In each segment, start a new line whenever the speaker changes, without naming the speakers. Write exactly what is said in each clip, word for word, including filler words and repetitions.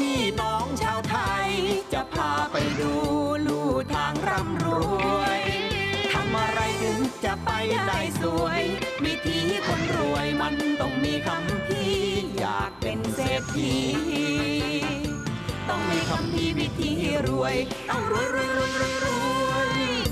พี่น้องชาวไทยจะพาไปดูลู่ทางร่ำรวยทำอะไรถึงจะไปได้สวยวิธีคนรวยมันต้องมีคำพี่อยากเป็นเศรษฐีต้องมีคำพี่วิธีรวยต้องรวยรวยรวยรวยรวย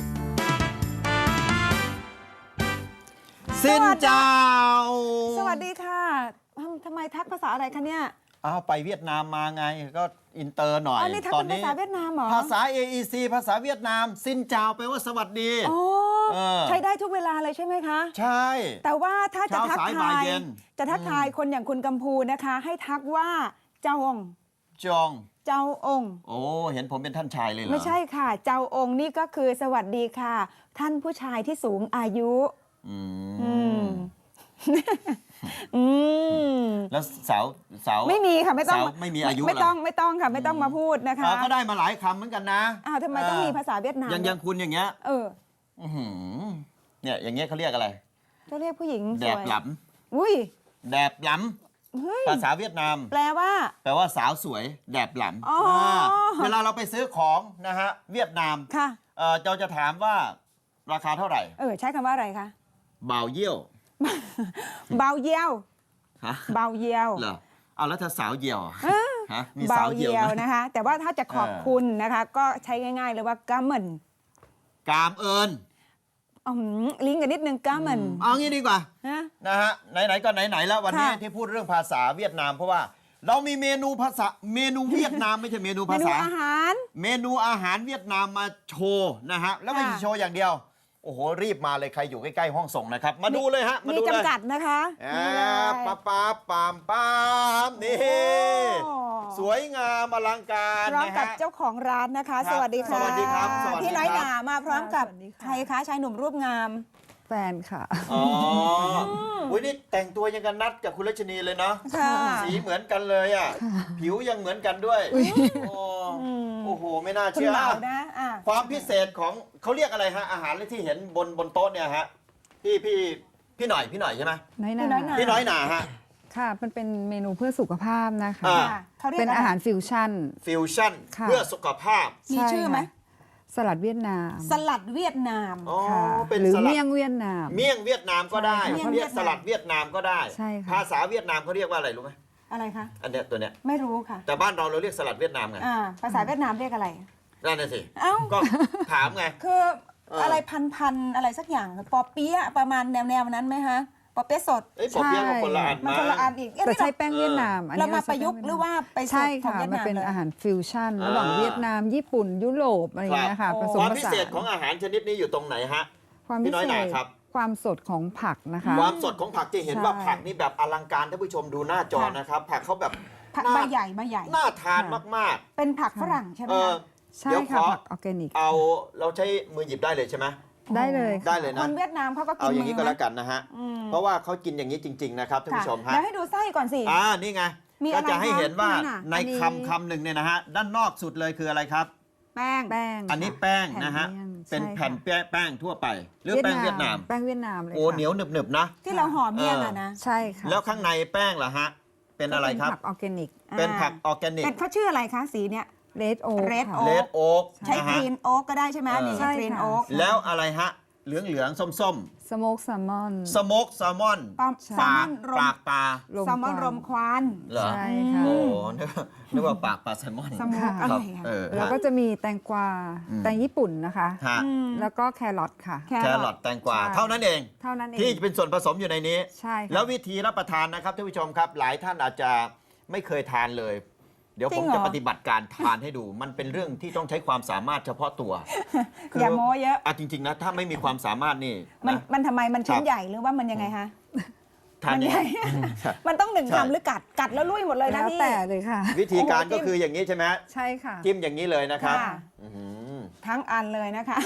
สินเจ้า
สวัสดีค่ะทำไมทักภาษาอะไรคะเนี่ย
อ้าวไปเวียดนามมาไงก็อินเตอร์หน่อย
อ๋อนี่ทักเป็นภาษาเวียดนามเหรอ
ภาษา เอ อี ซี ภาษาเวียดนามสินเจ้าแปลว่าสวัสดี
อ๋อใช้ได้ทุกเวลาเลยใช่ไหมคะ
ใช่
แต่ว่าถ้าจะทักทายจะทักทายคนอย่างคุณกัมพูนะคะให้ทักว่าเจ้าอง
จอง
เจ้าองค์
โอ้เห็นผมเป็นท่านชายเลยเหรอ
ไม่ใช่ค่ะเจ้าองค์นี่ก็คือสวัสดีค่ะท่านผู้ชายที่สูงอายุ
อื
มอืม
แล้วสาวสาว
ไม่มีค่ะไม่ต้อง
ไม่มีอายุ
ไม่ต้องไม่ต้องค่ะไม่ต้องมาพูดนะคะ
ก็ได้มาหลายคำเหมือนกันนะ
อ้าวทำไมต้องมีภาษาเวียดนาม
อย่างอย่างคุณอย่างเงี้ย
เออ
เนี่ยอย่างเงี้ยเขาเรียกอะไร
จะเรียกผู้หญิง
แดบหล
ำอุ้ย
แดบหลำภาษาเวียดนาม
แปลว่า
แปลว่าสาวสวยแดบหลำเวลาเราไปซื้อของนะฮะเวียดนาม
ค่ะ
เราจะถามว่าราคาเท่าไหร่
เออใช้คำว่าอะไรคะ
บ่าวเยี่ยว
เบาเยี่ยว
ฮะ
เบาเยี่ยว
เหรอเอาแล้วถ้าสาวเยี่ยวฮะมี
เบา
สาว
เยี่ยวนะคะแต่ว่าถ้าจะขอบคุณนะคะก็ใช้ง่ายๆเลยว่ากามเหมิน
กามเอิญ
ลิงก์กันนิดนึงกามเหมิน
เอางี้ดีกว่านะฮะไหนๆก็ไหนๆแล้ววันนี้ที่พูดเรื่องภาษาเวียดนามเพราะว่าเรามีเมนูภาษาเมนูเวียดนามไม่ใช่เมนูภาษาเมนู
อาหาร
เมนูอาหารเวียดนามมาโชว์นะฮะแล้วไม่ใช่โชว์อย่างเดียวโอ้โหรีบมาเลยใครอยู่ใกล้ๆห้องส่งนะครับมาดูเลยฮะ
มาดูเลยมีจำกัดนะคะ
ป๊าป๊าปามปามนี่สวยงามอลังการ
พร้อมกับเจ้าของร้านนะคะสวัสดีค่ะ
สวัสดีครับ
พี่น้อยหนามาพร้อมกับใครคะชายหนุ่มรูปงาม
แฟนค่ะ
อ๋ออุ้ยนี่แต่งตัวยังกันนัดกับคุณรัชนีเลยเนาะสีเหมือนกันเลยอ่ะผิวยังเหมือนกันด้วยโอ้โหไม่น่าเชื่อ
นะ
ความพิเศษของเขาเรียกอะไรฮะอาหารที่เห็นบนบนโต๊ะเนี่ยฮะพี่พี่พี่หน่อยพี่หน่อยใช่ไหม
น้อยห
นาพี่น้อยหนาฮะ
ค่ะมันเป็นเมนูเพื่อสุขภาพนะคะเป็นอาหารฟิวชั่น
ฟิวชั่นเพื่อสุขภาพ
มีชื่อไหม
สลัดเวียดนาม
สลัดเวียดนาม
หรือเมี่ยงเวียดนาม
เมี่ยงเวียดนามก็ได้เรียกสลัดเวียดนามก็ได้ภาษาเวียดนามเขาเรียกว่าอะไรรู้ไหม
อะไรคะ
อันเนี้ยตัวเนี้ย
ไม่รู้ค่ะ
แต่บ้านเราเราเรียกสลัดเวียดนามไง
ภาษาเวียดนามเรียกอะไร
นั่นน่ะสิก็ถามไง
คืออะไรพันๆอะไรสักอย่างปอเปี๊ยะประมาณแนวๆนั้นไหมคะปอเปี๊ยะสด
ปอเปี๊ยะกับคนละอัน
มาคนละอันอีก
แต่ใช้แป้งเวียดนาม
เรามาประยุกต์หรือว่าไป
ใช่ค่ะมันเป็นอาหารฟิวชั่นระหว่างเวียดนามญี่ปุ่นยุโรปอะไรอย่างเงี้ยค่ะผสมผสาน
ความพิเศษของอาหารชนิดนี้อยู่ตรงไหนฮะ
ความพิเศษครับความสดของผักนะคะ
ความสดของผักที่เห็นว่าผักนี่แบบอลังการท่านผู้ชมดูหน้าจอนะครับผักเขาแบบ
ใบใหญ่ใบใหญ่
น่าทานมาก
ๆเป็นผักฝรั่งใช่ไหม
ใช่ค่ะผักออร์แกนิก
เอาเราใช้มือหยิบได้เลยใช่ไหม
ได้เลย
ได้เลยนะ
คนเวียดนามเขาก็กิน
เอาอย่างนี้ก็แล้วกันนะฮะเพราะว่าเขากินอย่างนี้จริงๆนะครับท่านผู้ชมฮะ
แล้วให้ดูไส้ก่อนสิ
อ่านี่ไงก็จะให้เห็นว่าในคำคำหนึ่งเนี่ยนะฮะด้านนอกสุดเลยคืออะไรครับ
แป้ง
แป้ง
อันนี้แป้งนะฮะเป็นแผ่นแป้งทั่วไปหรือแป้งเวียดนาม
แป้งเวียดนามเลย
โอ้เหนียวหนึบๆนะ
ที่เราห่อเมี่ยงอะนะ
ใช่ค่ะ
แล้วข้างในแป้งล่ะฮะเป็นอะไรครับ
ผักออร์แกนิก
เป็นผักออร์แกนิก
เขาชื่ออะไรคะสีเนี้ย
เรดโอ๊ก
เรด
โอ๊ก
ใช้กรีนโอ๊กก็ได้ใช่ไหมนี่ใช้กรีนโอ๊ก
แล้วอะไรฮะเหลืองเหลืองส้มส้ม
สโมกแซลมอน
สโมกแซลมอนปากปากปลา
แซลมอนรมควัน
เหรอ
ใช่ค่ะ
โอ้นึกว่าปากปลาแซลมอน
ครับ
แล้วก็จะมีแตงกวาแตงญี่ปุ่นนะคะแล้วก็แครอทค่ะ
แครอทแตงกวาเท่านั้นเอง
เท่านั้นเอง
ที่เป็นส่วนผสมอยู่ในนี้
ใช่
แล้ววิธีรับประทานนะครับท่านผู้ชมครับหลายท่านอาจจะไม่เคยทานเลยเดี๋ยวผมจะปฏิบัติการทานให้ดูมันเป็นเรื่องที่ต้องใช้ความสามารถเฉพาะตัว
อย่าโม้เยอะ
อ่ะจริงๆนะถ้าไม่มีความสามารถนี่
มันมันทำไมมันชิ้นใหญ่หรือว่ามันยังไงคะ
ทานยังไง
มันต้องหนึ่งคำหรือกัดกัดแล้วลุยหมดเลยนะพี่
แต่เลยค่ะ
วิธีการก็คืออย่างนี้ใช่ไหม
ใช่ค่ะ
จิ้มอย่างนี้เลยนะครับ
ทั้งอันเลยนะคะ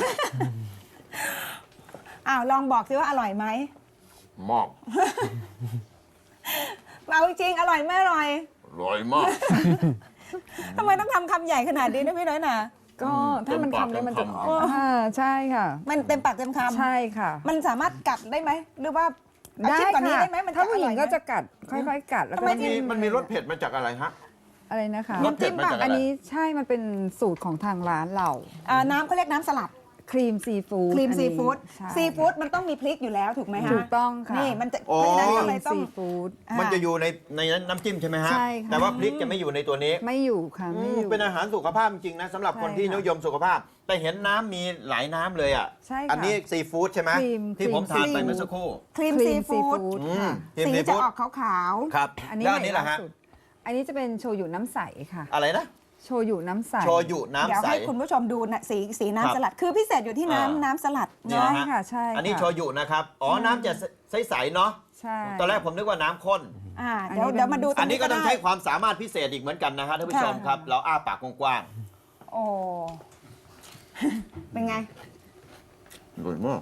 อ้าวลองบอกซิว่าอร่อยไหม
มาก
เอาจริงอร่อยไม่อร่อย
อร่อยมาก
ทำไมต้องทำคำใหญ่ขนาดนี้นะพี่น้อยหนา
ก็ถ้ามันคำนี้มันจะใช่ค่ะ
มันเต็มปากเต็มคำ
ใช่ค่ะ
มันสามารถกัดได้ไหมหรือว่า
ได้ค่ะถ้าผู้หญิงก็จะกัดค่อยๆกัดแล้วก็
มันมีมันมีรสเผ็ดมาจากอะไรฮะ
อะไรนะคะ
รสเผ็ดมาจากอะไร
อันนี้ใช่มันเป็นสูตรของทางร้านเรา
อ่าน้ำเขาเรียกน้ำสลัด
ครีมซีฟู้ด
ครีม
อัน
ซี
นี้
ฟู้ด
ใช่
ซีฟู้ดมันต้องมีพริกอยู่แล้วถูกไหมฮะ
ถูกต้องค่ะ
นี่มันจะ
อ๋อ
เพราะฉะนั้นก็
ค
เล
รี
ย
ม
ต้อง
ซีฟู้ด
มันจะอยู่ในในน้ำจิ้มใช่ไหมฮะ
ใช่ค่ะ
แต่ว่าพริกจะไม่อยู่ในตัวนี้
ไม่อยู่ค่ะ
อื
ไม่
ม
อยู่
เป็นอาหารสุขภาพจริงๆนะสำหรับ
ใช่
คนที่
ค่ะ
นิยมสุขภาพ แต่เห็นน้ำมีหลายน้ำเลยอ่ะ
ใช่ค่ะ
อันนี้ซีฟู้ดใช่ไหม
ครีม
ที่ผม
ครี
ทาน
ม
ไป
ซีฟู้ด
เมื่อสักครู่
ครีม
ครี
ซี
มซี
ฟู้ด
ฟู้ด
อืม
ค่ะ
ครีม
สี
ซี
จะ
ฟู้ด
ออกขาว
ครับ
อันนี้
แล้ว
ให
อัน
ม่
นี้ล่ะ
ล่า
ฮะ
สุดอันนี้จะเป็นโชยุน้ำใสค่ะ
อะไรนะ
โชยุน้ำใส
โชยุ
ๆ
น้ำ
เดี๋ยว
ใส
ให้คุณผู้ชมดูนะสีสี
ครับ
น้ำสลัด คือพิเศษอยู่ที่
อ่า
น้ำน้ำสลัด
นี่
เนาะ
นะฮะ
ค่ะใช่
อันนี้
ค่ะ
โชยุนะครับ อ๋อ น้ำจะใสๆเนาะ
ใช่
ตอนแรกผมนึกว่าน้ำข้น
อ่า
อัน
เดี๋ยว
นี้เป็น
เดี๋ยวมาดูตร
อัน
ง
นี้
นี้
ก็
ก็
ต้อง
ได้
ใช้ความสามารถพิเศษอีกเหมือนกันนะฮะท่านผู้ชมครับ เราอ้าปากกว้าง
โอ้ เป็นไง
ๆอร่อยมาก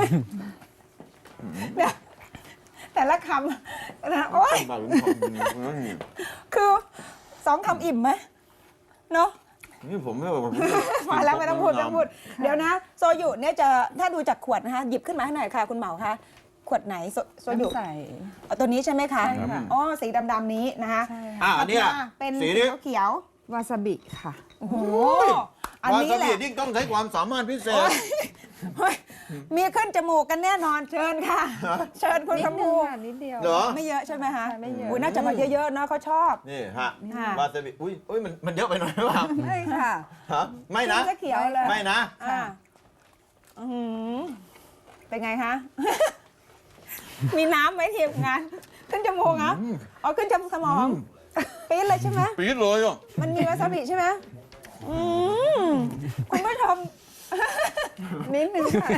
เนี่ยแต่ละคำนะโอ้ย
มาลุ้นของ
คือสองคำอิ่มไหมเนาะ
นี่ผมไม่บอกผม
มาแล้วไม่ต้องพูดไม่ต้องพูด เดี๋ยวนะ โซยุเนี่ยจะถ้าดูจากขวดนะคะหยิบขึ้นมาให้หน่อยค่ะ คุณเหมาคะขวดไหนโซโซยุ
น้ำใส
เอาตัวนี้ใช่ไหมคะ
ใช่ค่ะ
อ๋อสีดำๆนี้นะคะ
ใช่
อ่ะ
ค่ะ
อันนี้อ่ะ
เป็น
สี
สี
นี้
เขียว
วาซาบิค่ะ
ๆโอ้โหอัน
วา
นี้
ซา
แห
บิ
ละ
ยิ่งต้องใช้ความสามารถพิเศษ
เฮ้ยมีขึ้นจมูกกันแน่นอนเชิญค่ะ เชิญคุณ
นิ
ข
ดนึ
มู
งค่ะนิดเดียว
เหรอ
ไม่เยอะใช่ไหมคะ
ไม่เยอะ
อุ้ยน่าจะมาเยอะๆเนาะเขาชอบ
นี่ฮะ
ค่ะ
วาซาบิอุ้ยอุ้ยมันมันเยอะไปหน่อยหรือเปล่า
ไม่ค่ะ
ฮะไม่นะ
ขึ้จะเขียวเลย
ไม่นะ
อ่าอื้อหือเป็นไงคะ มีน้ำไหมทีมงาน ขึ้นจมูกเหรอเอาขึ้นจมูกสมองปี๊ดเลยใช่ไหม
ปี๊ดเลยอ่ะ
มันมีวาซาบิใช่ไหมอืมคุณผู้ชม
นิดนึงค่ะ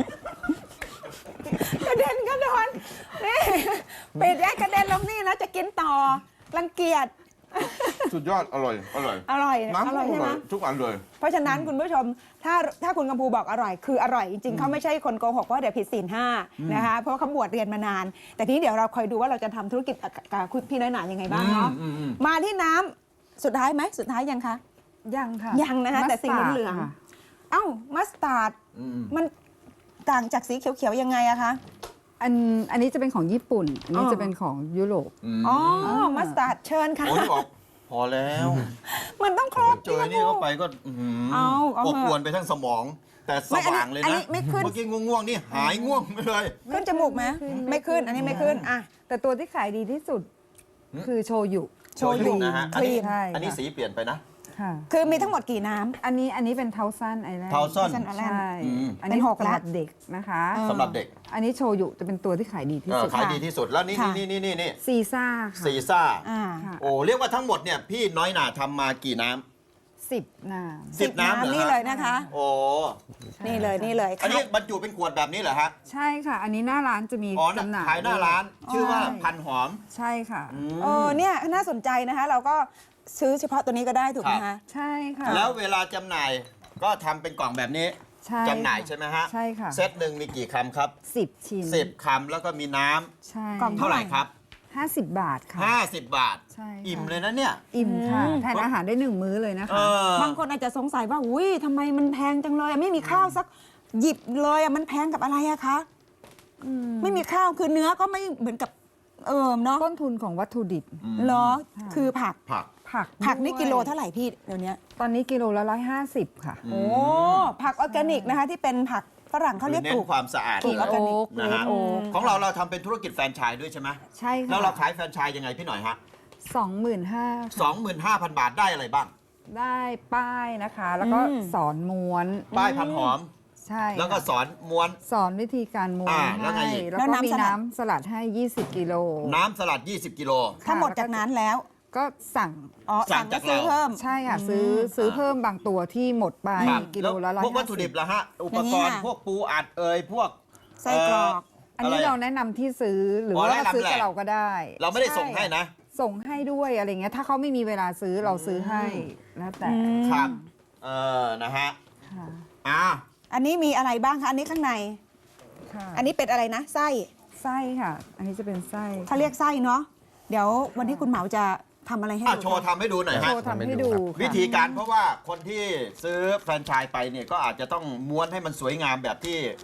กระเด็นกระดอนนี่ปิดแยกกระเด็นลงนี่แล้วจะกินต่อ รังเกียจ
สุดยอดอร่อยอร่อย
อร่อย
น้ำ
อร่อยใช่ไหม
ทุกอันเลย
เพราะฉะนั้นคุณผู้ชมถ้าถ้าคุณกำพูบอกอร่อย คืออร่อยจริงๆเขาไม่ใช่คนโกหกว่าเดี๋ยวผิดศีลห้านะคะเพราะว่าเขาบวชเรียนมานาน แต่ทีนี้เดี๋ยวเราคอยดูว่าเราจะทำธุรกิจกับคุณพี่น้อยหนายังไงบ้างเนาะ
อืมอืมอืม
มาที่น้ำสุดท้ายไหมสุดท้ายยังคะ
ยังค่ะ
ยังนะคะแต่สีเหลือง
มัสตาร์ดค่ะ
เอ้ามัสตาร์ด
อืม
มันต่างจากสีเขียวๆยังไงอะคะ
อันอันนี้จะเป็นของญี่ปุ่น อันนี้
อ๋อ
จะเป็นของยุโรป
อืม
อ๋อมัสตาร์ดเชิญค่ะ
โอ้ยบอกพอแล้ว
มันต้องครบ
เจอนี่เข้าไปก็อื้อหือ
เอาเอา
อบ
เถอะ
อวนไปทั้งสมอง แต่ส
ไม่อันนี้
ว่างเลย
อัน
นะ
นี้ไม่ขึ้น
เมื่อกี้ง่วงๆนี่หายง่วงไปเลย
ขึ้นจมูกไหม
ไม่
ไม่
ขึ้
ขึ้น
น
อันนี้ไม่ขึ้นอ่ะ
แต่ตัวที่ขายดีที่สุด คือโชยุ
โชยุ
นะฮะ
ค
อัน
รี
นี้
ม
ใช่
อันนี้
ค่ะ
สีเปลี่ยนไปนะ
ค่ะ
คือมีทั้งหมดกี่น้ำ
อันนี้อันนี้เป็นเทาซันไอแลนด์
เทาซ่อน
Thousand Island
ใช่
อืม
อันนี้
เป็นหก
สำหรับ
ละ
เด็กนะคะ
อ่า
สำหรับเด็ก
อันนี้โชยุจะเป็นตัวที่ขายดีที่
เออ
สุด
ขาย
ค่ะ
ดีที่สุดแล้วนี่
ค่ะ
นี่นี่นี่นี่
ซีซ่าค่ะ
ซีซ่า
อ่า
ค่ะ
โอ้เรียกว่าทั้งหมดเนี่ยพี่น้อยหนาทำมากี่น้
สิบน้
ำสิบน้ำเหรอ
นี่
ฮะ
เลยนะคะ
โอ้
นี่เลยนี่เลย
อันนี้บรรจุเป็นขวดแบบนี้เหรอฮะ
ำใช่ค่ะ อันนี้หน้าร้านจะมี
อ๋อ
จำหน่าย
ขายหน้าร้าน ชื่อว่าพันหอม
ใช่ค่ะ
เออเนี่ยน่าสนใจนะคะ เราก็ซื้อเฉพาะตัวนี้ก็ได้ถูกไหม
ครั
คะ
บ
ใช่ค่ะ
แล้วเวลาจำหน่ายก็ทำเป็นกล่องแบบนี้
ใช่
จำหน่ายใช่ไหมฮะ
ใช่ค่ะ
เซตหนึ่งมีกี่คำครับ
สิบชิ้น
สิบคำแล้วก็มีน้ำ
ใช่
กล่อง
เท่าไหร่ครับ
ห้าสิบบาทค่ะ
ห้าสิบบาท
ใช่ค่ะ
อิ่มเลยนะเนี่ย
อิ่มค่ะ
อืม
แทนอาหารได้หนึ่งมื้อเลยนะ
เอ
คะ
อบ
างคนอาจจะสงสัยว่าอุ้ยทำไมมันแพงจังเลยอะไม่มีข้าวสักหยิบเลยอะมันแพงกับอะไรอะคะไม่มีข้าวคือเนื้อก็ไม่เหมือนกับเอิมเนาะ
ต้นทุนของวัตถุดิบ
เหรอคือผัก
ผัก
ผัก
ผักนี่
ด้วย
กิโลเท่าไหร่พี่เดี๋ยวนี้
ตอนนี้กิโลละร้อยห้าสิบค่ะ
โอ้ผักออร์แกนิกนะคะ ที่เป็นผักฝรั่งเขาเรียก
เน้
ปลู
น
ก
ความสะอาด
ปลูกออร์แกนิก
นะฮะ
โอ๊ก
ของเราเราทำเป็นธุรกิจแฟรนไชส์ด้วยใช่ไหม
ใช่ค่ะ
แล้วเราขายแฟรนไชส์ยังไงพี่หน่อยฮะ
สองหมื่นห้า
สองหมื่นห้าพันบาทได้อะไรบ้าง
ได้ป้ายนะคะ แล้วก็
อืม
สอนม้วน
ป้ายพันหอม
ใช่
แล้วก็
ค่ะ
สอนม้วน
สอนวิธีการม้วน
อ่าแล้วไง
ให้
อีก
แล้ว
แล้ว
ก็
น้ำ
มี
สลัด
น้ำสลัดให้ ยี่สิบกิโล
น้ำสลัด ยี่สิบกิโล
ถ้าหมดจากนั้นแล้ว
ก็สั่ง
อ๋อ
สั่
สั่
ง
ง
จาก
ก็ซื้อ
เรา
เพิ่ม
ใช่ค่ะ ซื้อซื้อเพิ่มบางตัวที่หมดไป
ครับ
กิโลละร้อย
พวกวัตถุดิบละฮะ อุปกรณ์
อย่างนี้ค่ะ
พวกปูอัดเอยพวก
ไส้กรอก
อันนี้
ะไ
เราแนะนำที่ซื้อหรือ
อ๋อ
ว่า
แนะนำ
ซื้อ
แหละ
กับเราก็ได้
เราไม่ได้ส่งให้นะ
ส่งให้ด้วยอะไรเงี้ยถ้าเขาไม่มีเวลาซื้อเราซื้อให้แล้วแต่
ครับ เออ นะฮะ
ค่ะ
อ่า
อันนี้มีอะไรบ้างคะ อันนี้ข้างใน
ค่ะ
อันนี้เป็นอะไรนะ ไส้
ไส้ค่ะ อันนี้จะเป็นไส้
เขาเรียกไส้เนาะ เดี๋ยววันที่คุณเหมาจะทำอะไรให้
อ่ะ
ดู
โชว์ทำให้ดูหน่อย
โช
ฮะ
ว์ทำให้ดูค่ะ
วิธีการเพราะว่าคนที่ซื้อแฟรนไชส์ไปเนี่ยก็อาจจะต้องม้วนให้มันสวยงามแบบที่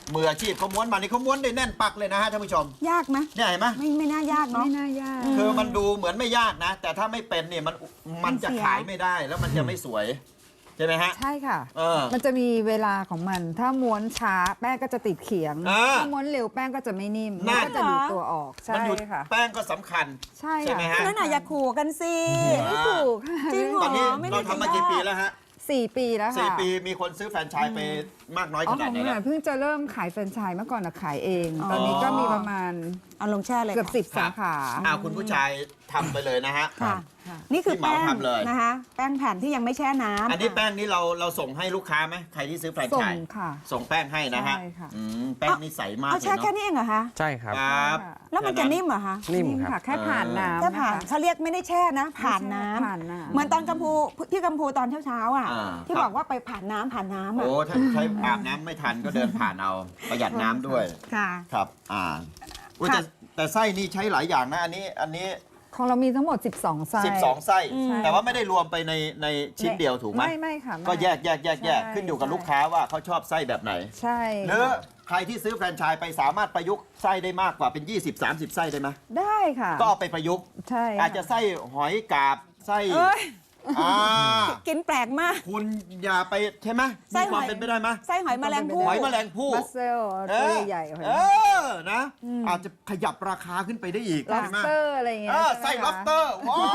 มืออาชีพเขาม้วนมานี่เขาม้วนได้แน่นปักเลยนะฮะท่านผู้ชม
ยากไหม
เนี่ยเห็นไหม
ไม่ไม่น่ายากเนาะ
ไม่น่ายาก
คือมันดูเหมือนไม่ยากนะ แต่ถ้าไม่เป็นเนี่ยมันมันจะ
มันเสีย
ขายไม่ได้แล้วมันจะไม่สวยใช่ไหมฮะ
ใช่ค่ะ
เออ
มันจะมีเวลาของมัน ถ้าม้วนช้าแป้งก็จะติดเขียง
อ่า
ถ้าม้วนเร็วแป้งก็จะไม่นิ่ม
นั่
มัน นก็จะดูดตัวออก
มัน
ใช่
อยู่
ค่ะ
แป้งก็สำคัญ
ใช่
ใช่
ค่ะ
ไหมฮะ
นั่นน่ะอย่าขู่กันสิ
อ่า
ถูกค่ะ
จริงเหร
ตอนนี้
ไม่
เรา
ได้
ทำมากี่ปีแล้วฮะ
สี่ปีแล้วค่ะ
สี่ปีมีคนซื้อแฟรนไชส์ไปมากน้อย
อ๋
ข
อข
นาด
อง
ไหน
ห
แล้
น่อ
วย
เพิ่งจะเริ่มขายแฟรนไชส์เมื่อก่อนนะขายเอง
อ๋อ
ตอนนี้ก็มีประมาณ
เอาลงแช่เลย
เกือบ
ค่ะ
สิบสาขา
อ้าวคุณผู้ชายทำไปเลยนะฮะ
ค่ะ
ค่ะ
นี่คือ
ที่เหมา
แป้ง
ทำเลย
นะคะ แป้งแผ่นที่ยังไม่แช่น้ำ
อันนี้แป้งนี้เราเราส่งให้ลูกค้าไหมใครที่ซื้อแฟรน
ส่
ไช
ง
ส์
ค่ะ
ส่งแป้งให้นะฮะ
ใช่ค่ะ
อืมแป้งนี่ใสมาก
เอา
เลย
แช่
เนาะ
แค่นี้เองเหรอคะ
ใช่ครับ
ครับ
แล้วมันจะนิ่มเหรอคะ
นิ่ม
นิ่ม
ครั
ค่ะ
บ
แค่ผ่านน้ำ
แค่ผ่าน
นะคะ
เขาเรียกไม่ได้แช่นะ ผ่านน้ำ
ผ่านน้ำ
เหมือนตอนกัมพูพี่กัมพูตอนเช้าๆอ่ะ
อ่า
ที่บอกว่าไปผ่านน้ำผ่านน้ำอ่ะ
โอ้ถ้าใช้อาบน้ำไม่ทันก็เดินผ่านเอาประหยัดน้ำด้วย
ค่ะ
ครับอ่าอุ๊ย
ค่ะ
แต่แต่ไส้นี่ใช้หลายอย่างนะอันนี้อันนี้
ของเรามีทั้งหมด สิบสอง ไส้
สิบสองไส้
อืม
แต่ว่าไม่ได้รวมไปในในชิ้นเดียวถูกไหม
ไม่ไม่ค่ะไม่
ก็แยกแยกแยกแยก
ใช่
ขึ้นอยู่กับลูกค้าว่าเขาชอบไส้แบบไหน
ใช่
หรือใครที่ซื้อแฟรนไชส์ไปสามารถประยุกต์ไส้ได้มากกว่าเป็น ยี่สิบ สามสิบ ไส้ได้ไหม
ได้ค่ะ
ก็เอาไปประยุกต์
ใช่ค่
อาจจะไส้หอยกาบไส้
เอ้ย
อ่า
กินแปลกมาก
คุณอย่าไปใช่ไหม
ไส้
มีความ
หอย
เป็นไปได้ไหม
ไส้หอยแมลงภู่
หอยแมลงภู่
บัสเซล
เอ
ตัว
อ
ใหญ่ๆหอย
เออนะ อาจจะขยับราคาขึ้นไปได้อีก
ล็อบ
ใช่
ส
ไหม
เตอร์อะไรอย่างเงี้ย
เออ
ใช่
ไส้
ไหมคะ
lobster ว้าว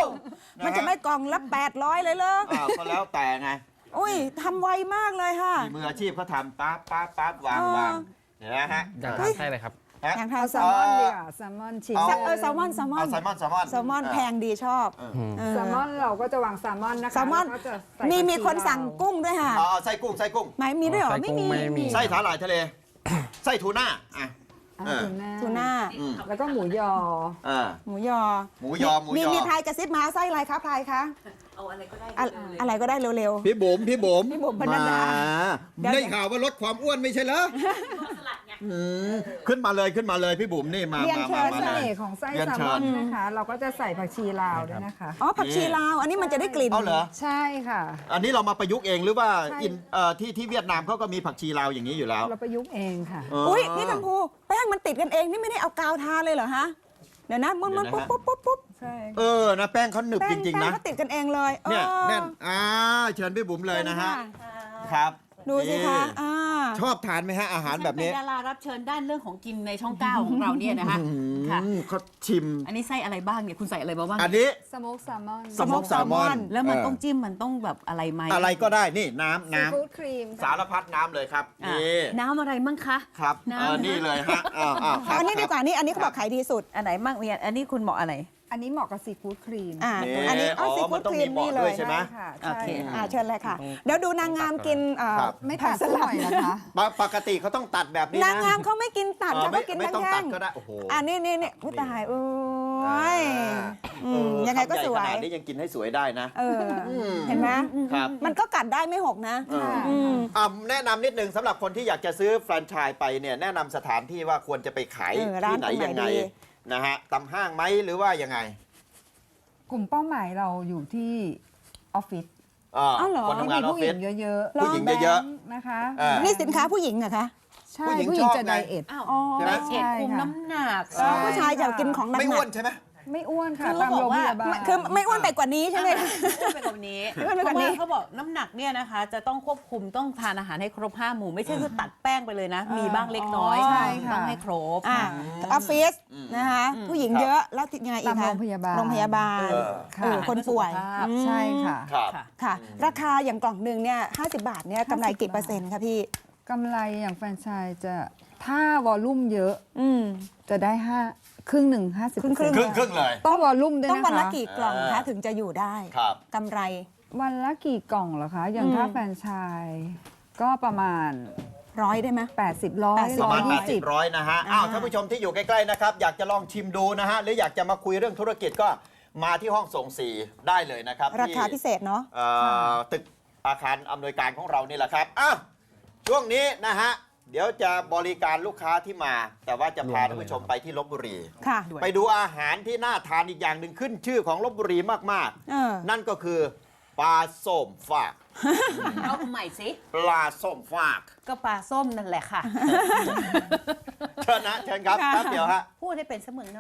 มันจะไม่กล่องละแปดร้อยเลยเหรอ
อ่าก็แล้วแต่ไง
อุ้ยทำไวมากเลยค่ะ
มีมืออาชีพเขาทำปั๊บปั๊บปั๊บวาง
เออ
วางเห็นไหมฮะ
อยากทานไส้เลยครับ
ฮะ
อย่างทา
เอา
น
แซลมอนดีกว่าแซลมอนชิ้น
เอา
เออแซลมอนแซลมอน
เอาแซลมอนแซลมอน
แซลมอนแพงดีชอบเออ
แซลมอนเราก็จะวางแซลมอนนะคะ
แซลมอน
ล้วก็จะใส่
มีมี
ผักชี
คนสั่ง
ลาว
กุ้งด้วยค่ะ
เอาเอาไส้กุ้งไส้กุ้ง
ไหมมีด้วยเหรอ
ไส้
ไม่
กุ้ง
มี
ไม่มี
ไส้สาหร่ายทะเล ไส้ทูน่าอ่ะ
อ่า
เออ
ทูน่า
ทูน่า
อืม
แล้วก็หมูยอ
อ่า
หมูยอ
หมูยอหมูยอ
มีมีพายกระซิบมาไส้อะไรคะพายคะเอาอะไรก็ได้อะไรก็ได้เร็ว
พี่บุ๋มพี่บุ๋ม
พี่บุ๋มพนัดดา เดี๋ยว
ได้ข่าวว่าลดความอ้วนไม่ใช่เหรออืมขึ้นมาเลยขึ้นมาเลยพี่บุ๋มนี่มา
เรียน
มา
เชิ
มา
ญ
มา
เส
เลย
น่ห์ของไส้
เรียน
แซล
เชิ
มอ
ญ
นนะคะ เราก็จะใส่ผักชีลาวด้วยนะคะ
ๆอ๋อผักชีลาว อันนี้มันจะได้กลิ่น
เอาเหรอ
ใช่ค่ะ
อันนี้เรามาประยุกต์เองหรือว่า
ใช่
อินเอ่อที่ที่เวียดนามเขาก็มีผักชีลาวอย่างนี้อยู่แล้ว
เราประยุกต์เองค่ะ
เออ
อุ้ยนี่กัมพูแป้งมันติดกันเองนี่ไม่ได้เอากาวทาเลยเหรอฮะเดี๋ยวนะมันมัน
เดี๋
ปุ๊
ยวนะฮะ
บปุ๊บปุ๊บปุ๊บ
ใช่
เออนะแป้งเขาหนึบ
แป้
จ
ง
ริง
แป้
ๆ
ง
นะ
เขาติดกันเองเลย
เนี่ย
ออ
แน่นอ่าเชิญพี่บุ๋มเลยนะฮะ
เชิญ
ครับ
ดูสิคะ
นี่
อ่า
ชอบทานไหมฮะอาหารแบบนี้
ฉัเป็นดารารับเชิญด้านเรื่องของกินในช่องเก้าของเราเนี่ยนะคะค่ะ
อืมเขาชิม
อันนี้ไส้อะไรบ้างเนี่ยคุณใส่อะไรมาบ้าง
อันนี้
สโมกแซลมอน
สโมกแซลมอน
แล้วมัน
เ
ต้องจิ้มมันต้องแบบอะไรไหม
อะไรก็ได้นี่น้ำ
ซี
น้
ฟู้ดครีม
ำสารพัดน้ำเลยครับ
อ่ะ
นี่
น้ำอะไรมั่งคะ
ครับ
น้ำ
เออนี่เลยฮะอ้าวอ้าวครับ
อันนี้ดีกว่านี่อันนี้เขาบอกขายดีสุด
อันไหนมั่งเนี่ยอันนี้คุณเหมาะอะไร
อันนี้เหมาะกับซีฟู้ดครีม
อ่า
นี่
อันนี้เอา
อ๋อ
ซี
มั
ฟู้
น
ด
ต้อง
ครี
มี
ม
เหมาะ
นี่เล
ด้วย
ย
ใช่ไหม
ค่ะ
โอเค
ใช่
อ่าเชิญเลยค่ะ เดี๋ยวดูนางงามกินเอ่อ
ครับ
ไม่
ผั
ตั
ก
ด
ส
สักห
ลั
น่
ด
อยนะคะ
ปกปกติเขาต้องตัดแบบนี้นะ
นางงามเขาไม่กินตัด
เออ
ค่ะ
ไม่
เขากิน
ไม่
ทั้
ต้อง
ง
ตั
แท่
ด
ง
ก็ได้โอ้โห
อันนี้นี่นี่อุ้ยตายโอ้ย อืม
เออ
ยังไงก็สวย
คำใหญ่ขนาดนี้ยังกินให้สวยได้นะ
เออเห็นไหม
ครับ
มันก็กัดได้ไม่หกนะ
เออ
อืม
อ่ะแนะนำนิดนึงสำหรับคนที่อยากจะซื้อแฟรนไชส์ไปเนี่ยแนะนำสถานที่ว่าควรจะไปขาย
เออร้าน
ที่ไหน
ตรงไหน
ยังไง
ดี
นะฮะตำห้างไหมหรือว่ายังไง
กลุ่มเป้าหมายเราอยู่ที่ออฟฟิศ
อ่า
อ้าวเหรอ
คนทำงานออฟ
ผู้ห
ฟิ
ญิ
ศ
งเยอะ
ผู้หญิงเยอะๆ
แบงค์นะคะ
อ่า
นี่สินค้าผู้หญิงเหรอคะ
ใช่
ผู้หญิง
ผู้หญิง
ชอบ
จะ
ไง
ไดเอท
อ้าว
อ๋อ
ใช่ไหม
ไดเอท
ใช่
คุม
ค่ะ
น้ำหนัก
ใช่
ผู้ชายจะกินของหนักๆ
ไม่อ้วนใช่ไหม
ไม่อ้วนค่ะ
คือ
ตาม
เขาบ
โร
อก
งพ
ว่า
ยาบาล
คือไม่อ้วนไปกว่านี้ใช่ไหม
อ้วนไปกว่านี้
อ้วนไปกว่านี้
เพระเขาบอกน้ำหนักเนี่ยนะคะ จะต้องควบคุมต้องทานอาหารให้ครบห้าหมู่ไม่ใช่คือตัดแป้งไปเลยนะ มีบ้างเล็กน้อย
ใช่
ค่ะ
ต้องให้ครบ
อ่าออฟฟิศนะคะผู้หญิงเยอะแล้วยังไงอีก
ตาม
คะ
โรงพยาบาล
โรงพยาบาล
เออ
ค่ะ
เออคนป่วย
สุขภาพ
อืม
ใช่ค่ะ
ครับ
ค่ะ
ค่ะ ราคาอย่างกล่องหนึ่งเนี่ยห้าสิบบาทเนี่ยกำไรกี่เปอร์เซ็นต์คะพี่
กำไรอย่างแฟรนไชส์จะถ้าวอลลุ่มเยอะ
อืม
จะได้ห้าครึ่งหนึ่งห้าสิบ
ครึ่ง
ครึ่งครึ่งเลย
ต้องวอลลุ่มด้วย
ต้อง
นะคะ
วันละกี่กล่อง
เอ
คะ
อ
ถึงจะอยู่ได้
ครับ
กำไร
วันละกี่กล่องเหรอคะ อย่าง
อืม
ถ้าแฟรนไชส์ก็ประมาณ
ร้อยได้ไหม
แปดสิบร้อย
แปดสิบ
ประมาณ
ยี่สิบ
แปดสิบร้อยนะฮะ อ้าว
อ่า
ท่านผู้ชมที่อยู่ใกล้ๆนะครับ อยากจะลองชิมดูนะฮะ หรืออยากจะมาคุยเรื่องธุรกิจก็มาที่ห้องส่งสี่ได้เลยนะครับ
ราคา
ที่
พิเศษเนาะ
เอ่อตึกอาคารอำนวยการของเรานี่แหละครับอ้าวช่วงนี้นะฮะ เดี๋ยวจะบริการลูกค้าที่มา แต่ว่าจะพาท่านผู้ชมไปที่ลพบุรี
ค่ะ
ไปดูอาหารที่น่าทานอีกอย่างหนึ่งขึ้นชื่อของลพบุรีมาก
เออ
ๆ นั่นก็คือปลาส้มฝาก
เอาใหม่สิ
ปลาส้มฝาก
ก็ปลาส้มนั่นแหละค่ะ
เชิญนะเชิญครับแป๊บเดียวฮะ
พูดให้เป็นเสมือน